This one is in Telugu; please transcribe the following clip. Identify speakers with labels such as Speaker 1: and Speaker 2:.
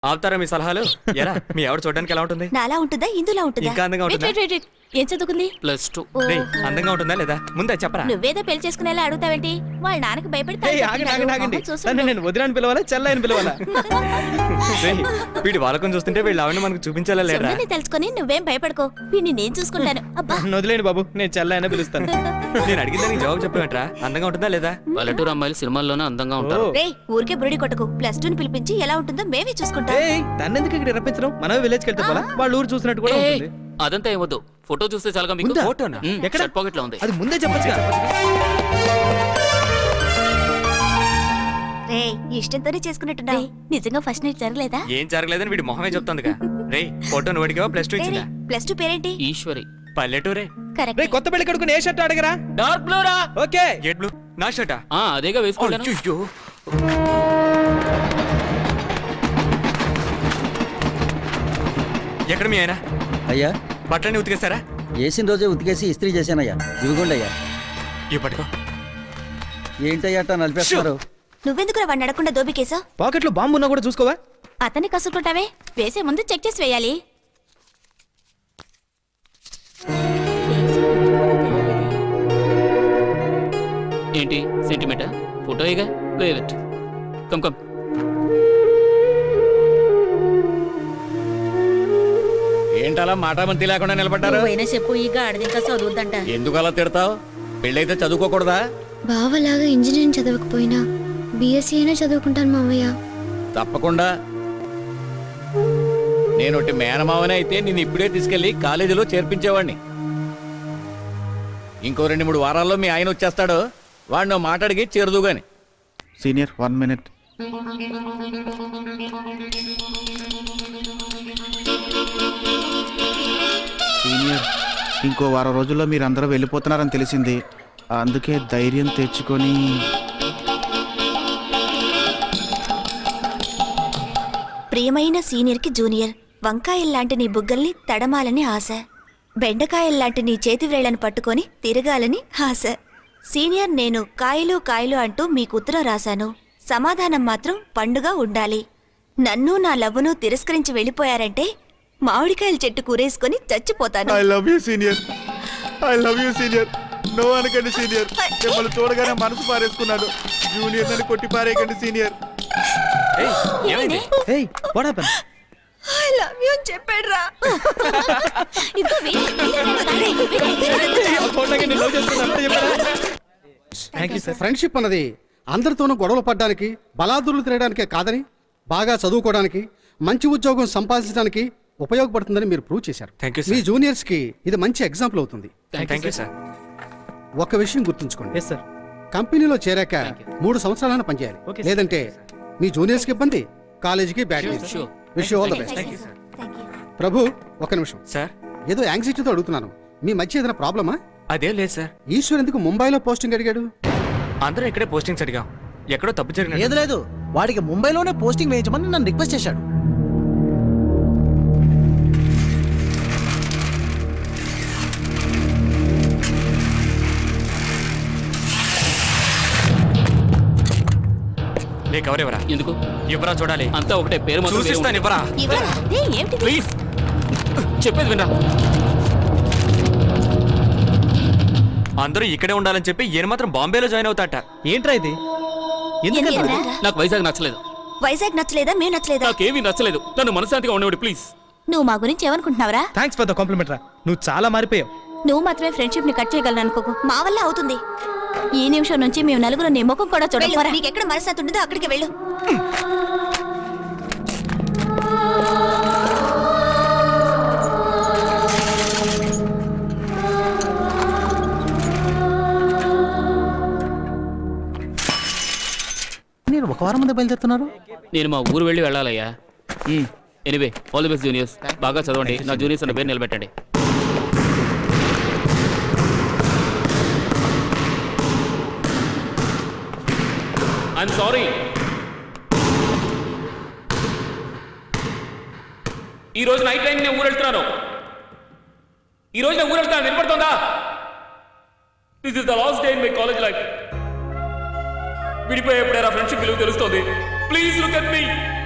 Speaker 1: ఆపుతారా మీ సలహాలు? ఎలా మీ ఎవరు చూడడానికి ఎలా ఉంటుంది?
Speaker 2: నాలా ఉంటుందా ఇందులా ఉంటుందా?
Speaker 1: ఇంకా అందంగా ఉంటుందా?
Speaker 2: ఏం చదువుకుంది?
Speaker 3: +2.
Speaker 1: అందంగా ఉంటుందా లేదా ముందే చెప్పరా?
Speaker 2: నువ్వేదో పెళ్లి చేసుకునేలా అడుగుతావేంటి? వాళ్ళ నాన్నకి భయపడి
Speaker 4: నేను వదిలేని పిలవాలా చెల్లని పిలవాలా?
Speaker 1: వీడి వాళ్ళకం చూస్తుంటే వీళ్ళు ఆవిడ మనకు చూపించాలా లేదా?
Speaker 2: తెలుసుకొని నువ్వేం భయపడుకో, వీడిని నేను చూసుకుంటాను. అబ్బా
Speaker 4: వదిలేండి బాబు, నేను చెల్లైనా పిలుస్తాను.
Speaker 1: నేను అడిగిన దానికి జవాబు చెప్పమంటారా? అందంగా ఉంటుందా లేదా?
Speaker 3: పల్లెటూరు అమ్మాయిలు సినిమాల్లోనే అందంగా ఉంటారు.
Speaker 2: ఊరికే బురుడి కొట్టకు. +2 పిలిపించి ఎలా ఉంటుందో మేమే చూసుకుంటాం.
Speaker 4: తన్నెందుకు ఇక్కడ రప్పించడం? మనమే విలేజ్కి వెళ్తే పోలా, వాళ్ళ ఊరు చూసినట్టు కూడా ఉంటుంది.
Speaker 3: అదంతా ఏమొద్దు, ఫోటో చూస్తే చాలుగా మీకు.
Speaker 1: ఫోటోనా?
Speaker 4: ఎక్కడ?
Speaker 3: షర్ట్ పాకెట్ లో ఉంది.
Speaker 4: అది ముందే చెప్పొచ్చుగా.
Speaker 2: రే ఇష్టంతోనే చేసుకున్నట్టున్నా. నిజంగా ఫస్ట్ నైట్ జరగలేదా?
Speaker 1: ఏం జరగలేదని వీడి మొహమే చెప్తుందిగా. రే ఫోటో నువ్వు +2 ఇచ్చిందా?
Speaker 2: +2 పేరేంటి?
Speaker 3: ఈశ్వరి.
Speaker 1: పల్లెటూరే.
Speaker 2: కరెక్ట్.
Speaker 4: కొత్త పెళ్లి కొడుకుని ఏ షర్ట్ అడగరా?
Speaker 3: డార్క్ బ్లూ రా.
Speaker 4: ఓకే.
Speaker 1: Gate blue. నా షర్టా?
Speaker 3: అదేగా వేసుకోలేను.
Speaker 1: అయ్యో ఎక్కడ మీ ఆయన?
Speaker 5: అయ్యా
Speaker 1: బట్టలన్నీ ఉతికేస్తారా?
Speaker 5: వేసిన రోజే ఉతికేసి ఇస్త్రీ చేశానయ్యా. ఇవిగోండి అయ్యా.
Speaker 1: ఇవి పట్టుకో.
Speaker 5: ఏంటయ్యా అట్టా నలిపేస్తున్నారు?
Speaker 2: నువ్వెందుకు వాడిని అడగకుండా దోబికేసా?
Speaker 4: పాకెట్ లో బాంబు ఉన్నా కూడా చూసుకోవా?
Speaker 2: అతన్ని కసుకుంటావే, వేసే ముందు చెక్ చేసి వేయాలి.
Speaker 3: ఏంటి సెంటిమెంటా? ఫోటో ఇగా లేవ్ ఇట్. Come come.
Speaker 6: ఏంటలా మాటామంతి లేకుండా నిలబడ్డారు?
Speaker 2: చెప్పు, ఈ గాడిద ఇంకా చదువుద్దంట.
Speaker 6: ఎందుకు అలా తిడతావు? పెళ్ళైతే చదువుకోకూడదా?
Speaker 7: బావలాగా ఇంజనీరింగ్ చదవకపోయినా బీఎస్సీ అయినా చదువుకుంటాను మావయ్య.
Speaker 6: తప్పకుండా. నేను ఒకటి మేనమావనే అయితే నేను ఇప్పుడే తీసుకెళ్లి కాలేజీలో చేర్పించేవాడిని. ఇంకో 2-3 వారాల్లో మీ ఆయన వచ్చేస్తాడు. వాడిని మాట్లాడికి చేరదు గాని.
Speaker 8: Senior 1 minute. సీనియర్ ఇంకో వారం రోజుల్లో మీరు అందరూ వెళ్ళిపోతున్నారని తెలిసింది. అందుకే ధైర్యం తెచ్చుకొని
Speaker 2: ప్రియమైన సీనియర్ కి జూనియర్, వంకాయల్లాంటి నీ బుగ్గల్ని తడమాలని ఆశ, బెండకాయల్లాంటి నీ చేతి వేళ్లను పట్టుకొని తిరగాలని ఆశ. సీనియర్, నేను కాయలు కాయలు అంటూ మీకు ఉత్తరం రాశాను. సమాధానం మాత్రం పండుగ ఉండాలి. నన్ను నా లవ్వును తిరస్కరించి వెళ్ళిపోయారంటే మామిడికాయల చెట్టు కూరేసుకొని చచ్చిపోతాను.
Speaker 8: I love you senior. I love you senior. No అనకండి సీనియర్. మిమ్మల్ని చూడగానే మనసు పారేసుకున్నాడు. జూనియర్ అని కొట్టి పారేయకండి సీనియర్.
Speaker 4: ఏయ్ what happen?
Speaker 2: I love you అని చెప్పాడురా.
Speaker 9: ఫ్రెండ్షిప్ అన్నది అందరితోనూ గొడవలు పడ్డానికి, బలాదులు తిరగడానికే కాదని, బాగా చదువుకోవడానికి, మంచి ఉద్యోగం సంపాదించడానికి ఉపయోగపడుతుందని మీరు ప్రూవ్ చేశారు. మీ జూనియర్స్ కి ఇది మంచి ఎగ్జాంపుల్ అవుతుంది. ఒక విషయం గుర్తుంచుకోండి, కంపెనీలో చేరాక 3 సంవత్సరాలను పనిచేయాలి. లేదంటే మీ జూనియర్స్ కి ఇబ్బంది, కాలేజీకి bad. Wish you all the best. Prabhu ఒక నిమిషం సార్, ఏదో యాంగ్జైటీతో అడుగుతున్నాను. మీ మధ్య ఏదైనా ప్రాబ్లమా?
Speaker 1: అదేం లేదు సార్.
Speaker 9: ఈశ్వర్ ఎందుకు ముంబైలో పోస్టింగ్ అడిగాడు?
Speaker 1: అందరూ ఇక్కడే పోస్టింగ్స్ అడిగాం. ఎక్కడో తప్పు జరిగింది.
Speaker 5: లేదు లేదు, వాడికి ముంబైలోనే పోస్టింగ్ వేయించమని నన్ను రిక్వెస్ట్ చేశాడు.
Speaker 1: నీకు ఎవరెవరా?
Speaker 3: ఎందుకు
Speaker 1: ఎవరా చూడాలి?
Speaker 3: అంతా ఒకటే పేరు మాత్రం
Speaker 1: చూసిస్తాను. ఎవరా?
Speaker 3: ప్లీజ్ చెప్పేది వినరా.
Speaker 1: అందరూ ఇక్కడే ఉండాలని చెప్పి ఈయన మాత్రం బాంబేలో జాయిన్ అవుతాట.
Speaker 4: ఏంట్రా ఇది?
Speaker 3: నాకు వైజాగ్ నచ్చలేదు.
Speaker 2: వైజాగ్ నచ్చలేదా? మేము నచ్చలేదా?
Speaker 3: నాకేమీ నచ్చలేదు. నన్ను మనశాంతిగా ఉండేవాడు ప్లీజ్.
Speaker 2: నువ్వు మా గురించి ఏమనుకుంటున్నావురా?
Speaker 4: థ్యాంక్స్ ఫర్ ద కాంప్లిమెంట్ రా. నువ్వు చాలా మారిపోయావు.
Speaker 2: నువ్వు మాత్రమే ఫ్రెండ్షిప్ ని కట్ చేయగలను అనుకోకు. మా వల్ల అవుతుంది. ఈ నిమిషం నుంచి మేము నలుగురు నీ ముఖం కూడా చూడకపోరా. నీకు ఎక్కడ మనశ్శాంతి ఉంటుందో అక్కడికి వెళ్ళు.
Speaker 5: నేను ఒక వారం ముందే బయలుదేరుతున్నారు.
Speaker 3: నేను మా ఊరు వెళ్ళి వెళ్ళాలయ్యా. Anyway all the best juniors. బాగా చదవండి. నా జూనియర్స్ అన్న పేరు నిలబెట్టండి. I'm sorry. ఈ రోజు నైట్ టైం నేను ఊరు వెళ్తున్నాను. వినపడుతుందా? This is the last day in my college life. విడిపోయేప్పుడేరా ఫ్రెండ్షిప్ విలువ తెలుస్తుంది. Please look at me.